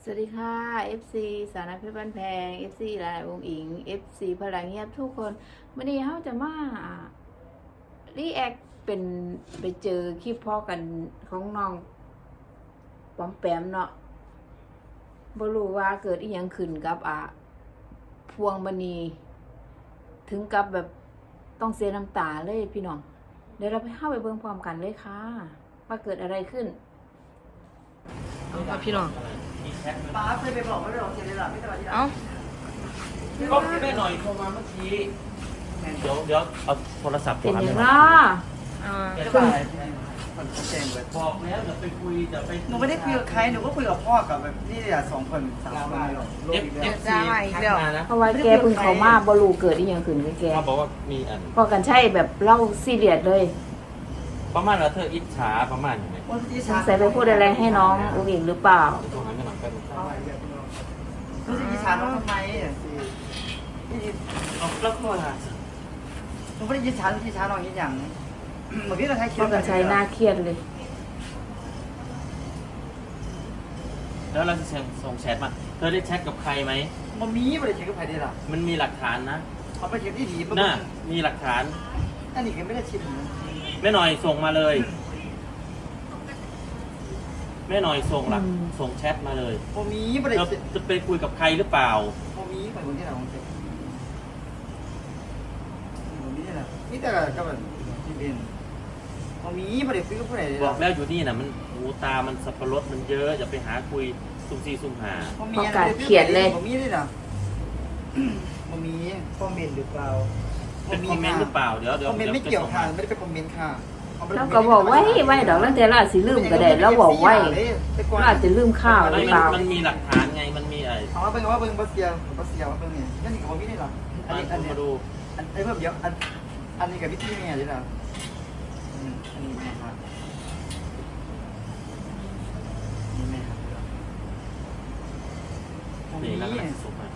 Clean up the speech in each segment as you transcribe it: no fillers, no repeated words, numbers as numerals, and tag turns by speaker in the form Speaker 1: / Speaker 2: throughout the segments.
Speaker 1: สวัสดีค่ะ FC สาวน้อยเพชรบ้านแพง FC หลายองค์อิง FC พลังเงียบทุกคนวันนี้เขาจะมารีแอคเป็นไปเจอคลิปพ่อกันของน้องปอมแปมเนาะบ่รู้ว่าเกิดอีหยังขึ้นกับพวงมณีถึงกับแบบต้องเสียน้ำตาเลยพี่น้องเดี๋ยวเราไปเข้าไปเบิ่งพร้อมกันเลยค่ะว่าเกิดอะไรขึ้นเอาค่ะพี่น้อง
Speaker 2: ป้าเคยไปบอกว่าเราเสียเลยหรอไม่สบายใจ
Speaker 1: เอ้า
Speaker 3: ก็แม่หน่อยโทรมาเมื่อกี้เดี๋ยวเอาโทรศัพท์
Speaker 1: เป็นอย่าง
Speaker 3: ไร
Speaker 1: น้อ
Speaker 2: ไม่สบายคนแจ้งเลย
Speaker 3: บอกแล้วเดี๋ยวไปคุยเดี๋ยวไป
Speaker 2: หนูไม่ได้คุยกับใครหนูก็คุยกับพ่อกับแบบนี่แหละ2 คน3 คน
Speaker 3: เอฟซีทักมานะ
Speaker 1: เพราะว่าแกเพิ่งเขามาบรูเกิดอีหยังขึ้นกับแก
Speaker 3: เขาบอกว่ามีอัน
Speaker 1: พอกันใช่แบบเล่าซีเรียสเลย
Speaker 3: ประมาณว่าเธออิจฉาประมาณอย่างไร
Speaker 2: วันที่
Speaker 1: สงสัยไปพูดอะไรให้น้องอุ้งอิงหรือเปล่า
Speaker 3: ตรงนั้นไม่หลังกัน
Speaker 2: รู้สึกอิจฉาน้องทำไม
Speaker 3: เอาแล้วก็
Speaker 2: หนูไม่ได้อิจฉาอิจฉาน้องอีกอย่างเหมือนที่เราใช้คิ
Speaker 1: พอกันใช้หน้าเครียดเลย
Speaker 3: แล้วเราจะส่งแชทมาเธอได้แชทกับใครไหม
Speaker 2: มันมีไม่ได้เช็คกับใครได้หรอ
Speaker 3: มันมีหลักฐานนะ
Speaker 2: เขาไปเช็คที่ดี
Speaker 3: น่ามีหลักฐาน
Speaker 2: อันนี้ก็ไม่ได้ชิม
Speaker 3: แม่หน่อยส่งมาเลยแม่หน่อยส่งแชทมาเลย
Speaker 2: มันมีไม่ได้
Speaker 3: เราจะไปคุยกับใครหรือเปล่า
Speaker 2: มันมีไปคนที่เราเช็คมันมีอะไรนี่แต่ก็แบบที่เป็นมันมีไม่ได้คุยกับผู้ใดเลย
Speaker 3: บอกแล้วอยู่นี่นะมันหูตามันสับปะรดมันเยอะอย่าไปหาคุยซุ่มซีซุ่มหา
Speaker 2: มันมีด้วยนะมันมีคอมเมนต์หรือเปล่า
Speaker 3: เป็นคอมเมนต์หรือเปล่าเดี๋ยว
Speaker 2: คอมเมนต์ไม่เกี่ยวค่ะไม่ได้เป็นคอมเมนต์ค่ะ
Speaker 1: แล้วก็บอกไว้ดอกแล้วแต่เราอาจสิลืมก็ได้แล้วบอกไว้เราอาจจะลืมข้าวหรือเปล่า
Speaker 3: มันมีหลักฐานไงมันมีอะไร
Speaker 2: เอาว่าเป็นว่าเป็นบัสเซียว่าเป็นเนี่ยนั่นนี่กับพี่นี่หรออันนี้
Speaker 3: มาดู
Speaker 2: อันเพิ่มเยอะอันนี้กับพี่ที่เนี่ยนี่หรออันนี้นะครับนี่ไหมครับ
Speaker 3: นี่แล้วก็ส่งมา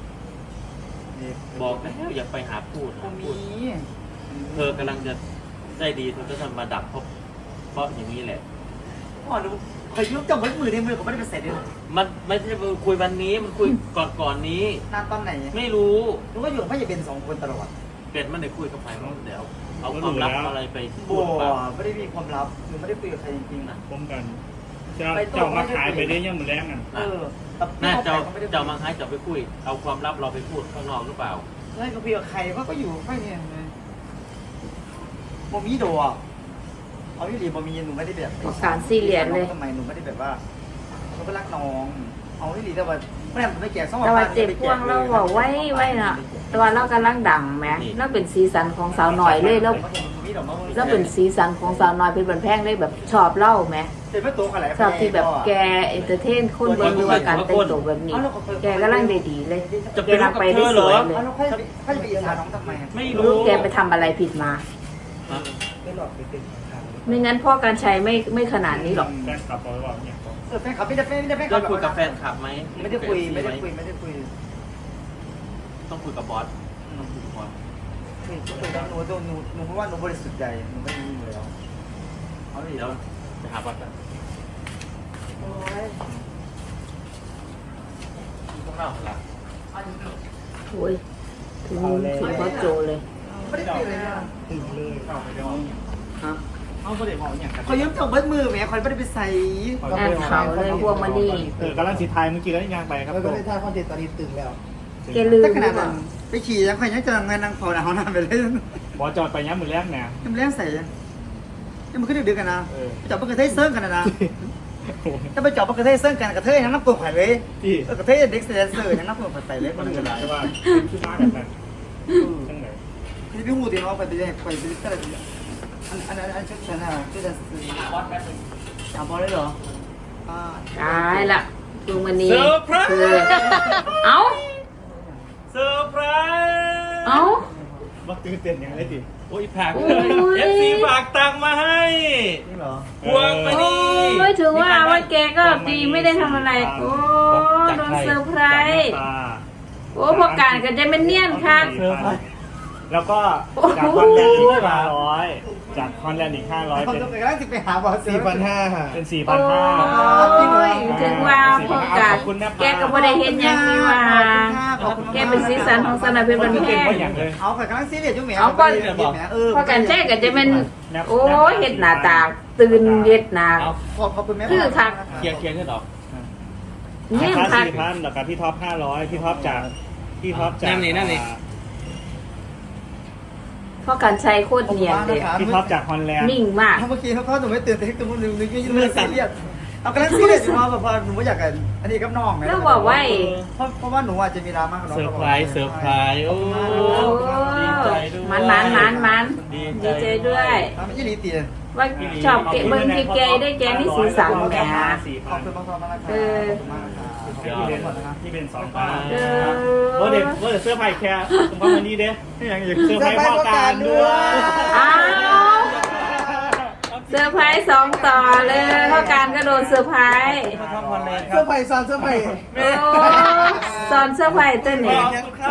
Speaker 3: บอกแล้วอย่าไปหาพูด
Speaker 2: ผมมี
Speaker 3: เธอกำลังจะได้ดีเธอก็ทำมาดับเพราะอย่างนี้แหละ
Speaker 2: อ๋อหนูเคยยุบจับมือในมือผมไม่ได้เป็นเสร็จเลย
Speaker 3: มันไม่ใช่คุยวันนี้มันคุยก่อนนี้
Speaker 2: นานตอนไหน
Speaker 3: ไม่รู้
Speaker 2: หนูก็อยู่กับพี่จะเป็น2 คนตลอด
Speaker 3: เป็ดมันได้คุยกับใครบ้างเดี๋ยวเอาความลับอะไรไปพู
Speaker 2: บั
Speaker 3: ดเปล่า
Speaker 2: วไม่ได้มีความลับหนูไม่ได้คุยกับใครจริงๆนะ
Speaker 4: ป้องกันเจ้ามาขายไปได้ยังมือแรงกัน
Speaker 3: น่าเจ้ามาให้เจ้าไปคุยเอาความลับเราไปพูดข้างนอกหรือเปล่า
Speaker 2: แล้วก็คุยกับใครก็อยู่ไม่เนี่ยบ่มีโดอ่ะเอาพี่หลีบ่มีหนูไม่ได้แบบ
Speaker 1: การซีเรียสเลย
Speaker 2: ทำไมหนูไม่ได้แบบว่าหนูก็รักน้องเอาพี่หลีแต่ว่าไม่ได้ไม่แก่สอง
Speaker 1: แต่ว่าเจ็บพวงเราบอกไว้น่ะแต่ว่าเรากำลังดังไหมเราเป็นสีสันของสาวหน่อยเลยแล้วเป็นสีสันของสาวหน่อยเป็นบันแพงเลยแบบชอบเล่าไหม
Speaker 2: เป็นไม่ตัวขนาด
Speaker 1: ชอบที่แบบแกเอนเตอร์เทนคนเบิ่งดูว่าการแต่งตัวแบบนี้ แกกำลังได้ดีเลยแกกำลังไปได้สวยเลย
Speaker 2: แล้วค่อยไปอิจฉาน้องทำไม
Speaker 3: ไม่
Speaker 1: รู้
Speaker 3: รู้
Speaker 1: แกไปทำอะไรผิดมา ไม่งั้นพ่อการใช้ไม่ขนาดนี้หรอก
Speaker 4: แฟนขับบอกว่าเนี่ย
Speaker 2: แฟนคลับไม่ได้แฟน
Speaker 3: ได้คุยกับแฟนคลับไหม
Speaker 2: ไม่ได้คุย
Speaker 3: ต้องคุยกับบอสต้องคุยกับบอส
Speaker 2: หนูเพราะว่าหนูบริสุทธิ์ใจหนูไม่ได้มีอยู่แล้วเอาดิ
Speaker 3: เดี๋ยวจะหาบอสกันต้องเล่าละ
Speaker 1: โอ้ยถึงพ่อโจเลย
Speaker 2: ไม่ได้คุยเลยนะ
Speaker 4: ถึงเลยเข้าไปย้อน
Speaker 2: ฮะ
Speaker 4: เขาไม่ได้บอกอย่างกัน
Speaker 2: เขายืมจับเบิ้ลมือแม่คอยไม่ได้ไปใส่
Speaker 1: งานเขาเลยพวกมันนี่
Speaker 4: กำลังสีไทยเมื่อกี้แล้วยังไปครับ
Speaker 5: ก็ได้ท่าคอนเทนต์ตอนนี้ตึงแล้ว
Speaker 1: แกลืม
Speaker 2: แต่
Speaker 1: ห
Speaker 2: ข
Speaker 1: รือ
Speaker 2: นาด
Speaker 1: เป
Speaker 2: นั้
Speaker 1: ล่าน
Speaker 2: ไปขี่ยังคอยยังจะเงินนางพอนะเขานำไปเล่น
Speaker 4: บอจอดไปย้ำมือแรกเนี่ย
Speaker 2: ยังเล่นใส่ยังมันขึ้นดึกกันนะจับปกระเทยเซิร์งกันนะถ้าไปจับปกระเทยเซิร์งกันกระเทยยังนับตัวไข่เลย
Speaker 4: ที่
Speaker 2: กระเทยเด็กเซนเซอร์ยังนับตัวไข่ใส่เลย
Speaker 4: มั
Speaker 2: มันน
Speaker 4: เหลื
Speaker 2: เกิ
Speaker 4: อ
Speaker 2: ด
Speaker 4: หลายว่าคือมาแบบนั้นทั้งไหน
Speaker 2: ที่พี่หูตีน้องไปไปไปก็เลยอันชุดฉันอ่ะชุดฉัน
Speaker 3: บอสแป๊บนึง
Speaker 2: จับบอลได้เหรอ
Speaker 1: ตายละพวกมันนี่
Speaker 3: เซอร์ไพรส์
Speaker 1: คือเอ้า
Speaker 3: เซอร์ไพรส์
Speaker 1: เอ้า
Speaker 4: ว่าตื่นเต้นอย่างไรดิ
Speaker 3: โอ้ยผักเลยเอฟซีฝากตังค์มาให้
Speaker 2: นี่เหรอ
Speaker 3: พวงมา
Speaker 1: โอ้
Speaker 3: นี่
Speaker 1: ยถือว่าแกก็ดีไม่ได้ทำอะไรโอ้โดนเซอร์ไพรส์โอ้พอการก็จะเป็นเนียนค่ะ
Speaker 4: เซอร์ไพรส์แล้วก็จากฮอนแลนด์อีก500จากฮอนแลนด์อีก500
Speaker 2: เขา
Speaker 4: เป็น
Speaker 2: ต้องไปกำลังสิไปหาบอส
Speaker 5: 4,500
Speaker 4: เป็น
Speaker 1: โอ้
Speaker 4: 4,500
Speaker 1: ยถึงว่าพอกัดแกก็บ่ได้เห็นหยังนี่ว่าแกเป็นสีสันของสนามเพชรบันแพง
Speaker 2: เอาไปกำลังซีเรียสอยู่แหม
Speaker 1: พอกันแท้ก็จะเป็นโอ้ยเฮ็ดหน้าตาตื่นเฮ็ดหน้า
Speaker 3: เอา
Speaker 2: ขอบคุณแม่
Speaker 1: คือคัก
Speaker 3: เคลียร์ขึ้นออก
Speaker 1: เนี่ย
Speaker 4: ค่า
Speaker 1: คัก
Speaker 4: 4,000แล้วก็พี่ท็อป500พี่ท็อปจาก
Speaker 3: นั่นนี่
Speaker 1: พอกันใช้โคตรเนียนเลย
Speaker 4: พี่ท็อปจากฮอนแลนด์
Speaker 1: นิ่งมาก
Speaker 2: เมื่อกี้เขาหนูไม่ตื่นแต่ตัวหนูนึกซีเรียสเอากำลังซีเรียสอยู่มาแบบว่าหนูไม่อยากกันอันนี้กับน้อง
Speaker 1: แล้วบอกว่า
Speaker 2: เพราะว่าหนูอาจจะมีดราม่ากับน้อง
Speaker 3: เซอร์ไพรส์โอ้
Speaker 1: โอ้ มันดีใจด้วย
Speaker 2: ไม่ใช่ลีตีน
Speaker 1: ว่าชอบเกะเบิ่งที่แกได้แกนี่สีสันแหม
Speaker 2: ขอบคุณมากๆนะครับ
Speaker 4: ที่เป็น2,000
Speaker 1: เออ
Speaker 4: ว่าเด็กเสื้อไผ่แค่ผมว่าวันนี้เด้เสื้อไผ่พ่อการด้วย
Speaker 1: อ้าวเซอร์ไพรส์2ต่อเลยเพราะการก็โดนเซอร์ไพรส์
Speaker 3: มาทำวันเลยค
Speaker 5: เสื้
Speaker 3: รั
Speaker 5: อบ ไผ่ซ้อนเสื้อไผ่
Speaker 1: โอ้สอนเซอร์ไพรส์เต้นเนี่ย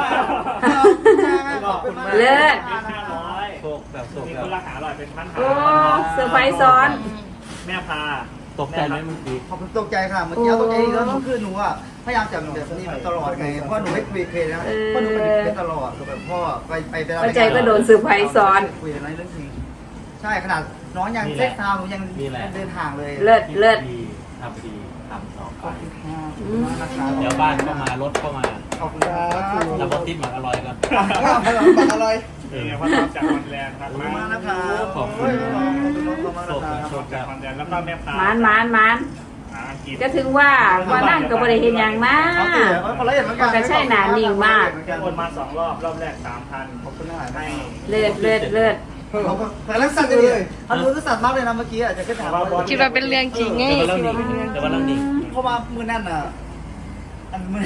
Speaker 1: เลิศ
Speaker 3: โศกแบบโศก
Speaker 4: มี
Speaker 3: แบ
Speaker 4: คน
Speaker 3: บ
Speaker 4: ราคาอร่อยเป็นพัน
Speaker 1: โอ้เซอร์ไพรส์ซ้อน
Speaker 4: แม่พา
Speaker 3: ตกใจไหมเมื่อกี้
Speaker 2: ขอบคุณตกใจค่ะเมื่อกี้ตกใจอีกแล้วคือหนูอ่ะพยายามจับแบบนี้ตลอดไงเพราะหนูไม่คุยเคยนะเพราะหนูเป็นตลอดแบบพ่อไป
Speaker 1: เข้าใจก็โดนเซอร์ไพรส์ซ้อน
Speaker 2: คุยอะไรเรื่องจริงใช่ขนาดน้องยังเซ็กซ์ทาวน์หนูยังเดินทางเลย
Speaker 1: เลิศเลิศ
Speaker 3: ดีทำดีทำต่อไป
Speaker 2: นะครับ
Speaker 3: เดี๋ยวบ้านเข้ามารถเข้ามา
Speaker 2: ขอบคุณครับ
Speaker 3: แล้วก็ติดหมักอร่อยก่อน
Speaker 5: บักอร่อย
Speaker 4: นี่ไงพ่อท็อปจากฮอนแลนด์ครับ
Speaker 2: ขอบคุณมากนะครับ
Speaker 3: ขอบคุณ
Speaker 2: มากนะครับ
Speaker 4: ท็อปจากฮอนแลนด์แล้วก็แม่พา
Speaker 1: มัน
Speaker 4: อังกฤษ
Speaker 1: ก็ถึงว่ามานั่งกับบริเห็นอย่างนะ
Speaker 2: คนละเอียดเหมือนกัน
Speaker 1: ก็ใช่หนานิ่งมาก
Speaker 4: โอนมา2 รอบรอบแรก 3,000
Speaker 2: ขอบคุณมาก
Speaker 4: ให้
Speaker 1: เลิศเลิศเลิศ
Speaker 2: แต่ลักษณะเลยอันนู้นก็สั่นมากเลยนะเมื่อกี้อาจจะขึ้นหา
Speaker 6: คิดว่าเป็นเรื่องจริงไง
Speaker 3: แต่ว่าเรื่องนี้แต่ว่าเรื่องนี้
Speaker 2: เพราะว่ามือนั่นอ่ะอันมือ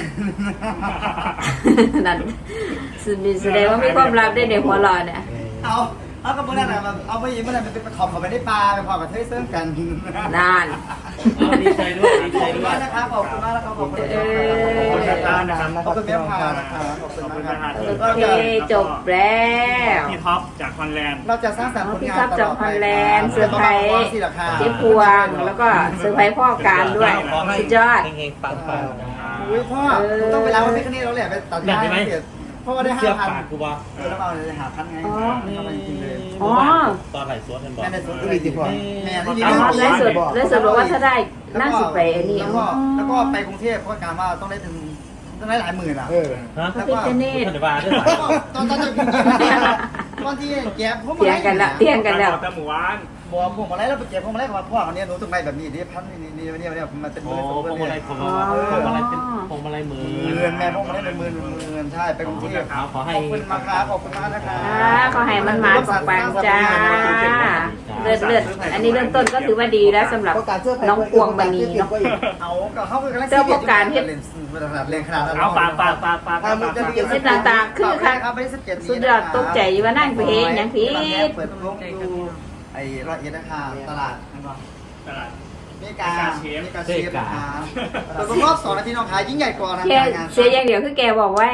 Speaker 1: นั่นแสดงว่ามีความลับได้ในหัวเรอเนี่ย
Speaker 2: เอากับมือนั่นอ่ะเอาไปยิงมือนั่นเป็นขอบเขาไปได้ปลาไปพอกับเทยเซิร์ฟกัน
Speaker 1: นาน
Speaker 3: ดีใจด้วยดีใจด้วย
Speaker 2: นะครับขอบคุณมากนะครับขอบคุณ
Speaker 4: ขอบคุณนะครับ
Speaker 2: ขอบคุณแม่พานะครับขอบคุณมากครับ
Speaker 1: โอเคจบแล้ว
Speaker 4: พี่ท็อปจากฮอนแลนด์
Speaker 2: เราจะสร้างสรรค์ผล
Speaker 1: พี่
Speaker 2: งาน
Speaker 1: ทับจากฮอลแลนด์เซอร์ไพรส์
Speaker 2: ที่ราคา
Speaker 1: เจ๊พวงแล้วก็เซอร์ไพรส์พ่อการด้วยสุดยอด
Speaker 3: เฮงๆปัง
Speaker 2: อุ้ยพ่อต้องไปล้างวันพิคเนตแล้วแหละไปตัดหน้าให้เสร็จเพราะว่าได้
Speaker 3: เสื้อ
Speaker 2: 5,000
Speaker 3: ปากกูว่า
Speaker 2: แล้วเอาเลยหาพันไงเข้าไปจริงเลย
Speaker 1: อ๋อ
Speaker 3: ตอนไหลสวนกันบอก
Speaker 2: แม่ในสวนก็มีติดพอแม่ที่
Speaker 1: อ๋อแล้วสุดบอกว่าถ้าได้น่าสิไปอันนี้
Speaker 2: แล้วก็ไปกรุงเทพเพราะการว่าต้องได้ถึงต้องได้หลายหมื่นอ่ะ
Speaker 3: ฮะ
Speaker 1: พระพิฆเนศ
Speaker 3: พันธบาทด้วย
Speaker 2: ตอนจะตอนที่แก๊บพวก
Speaker 1: เตียงกันละเตียงกันแล้ว
Speaker 4: แต่หมู่บ้าน
Speaker 2: บัวพวกมาไล่แล้วไปเก็บพวกมาไล่กับพ่อคนนี้หนูต้องได้แบบนี้นี่พันนี่มันเป็น
Speaker 3: โอ้
Speaker 2: มือ
Speaker 3: พวงมาลัยผมพวงมาลัยเป็นพวงมาลัยมือ
Speaker 2: เงินแม่พวกมาไล่เป็นหมื่นใช่ไปกรุงเทพ
Speaker 3: ขอให้
Speaker 2: ขอบคุณมากครับขอบคุณมากนะครับ
Speaker 1: ขอให้มันมาปังจ้าเลิศเลิศอันนี้เริ่มต้นก็ถือว่าดีแล้วสำหรับน้องพวงมณีเนาะ
Speaker 2: เอากับเขาคือ
Speaker 1: เจ้าพวกการเฮ็ด
Speaker 2: เรียนขนาดนั้น
Speaker 4: เอาปาก
Speaker 1: เฮ็ดต่างๆคือค่ะ
Speaker 2: ครับไม่ได้17
Speaker 1: สุดยอดตกใจว่านั่งไปเองอย่างผิด
Speaker 2: เปิดลงดูไอ้ร้อยเอ็ดนะคะตลาดเมกาเชฟนะคะแต่รอบ2นาทีน้องขายยิ่งใหญ่กว่านะ
Speaker 1: แค่เสียอย่างเดียวคือแกบอกไว้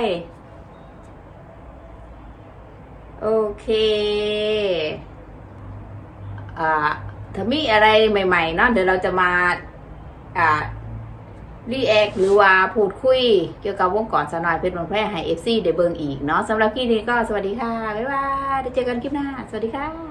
Speaker 1: โอเคถ้ามีอะไรใหม่ๆเนาะเดี๋ยวเราจะมารีแอคหรือว่าพูดคุยเกี่ยวกับวงกรสนอยเพชรบางแพร่ให้ FC ได้เบิ่งอีกเนาะสำหรับคลิปนี้ก็สวัสดีค่ะ บ๊ายบายเดี๋ยวเจอกันคลิปหน้า สวัสดีค่ะ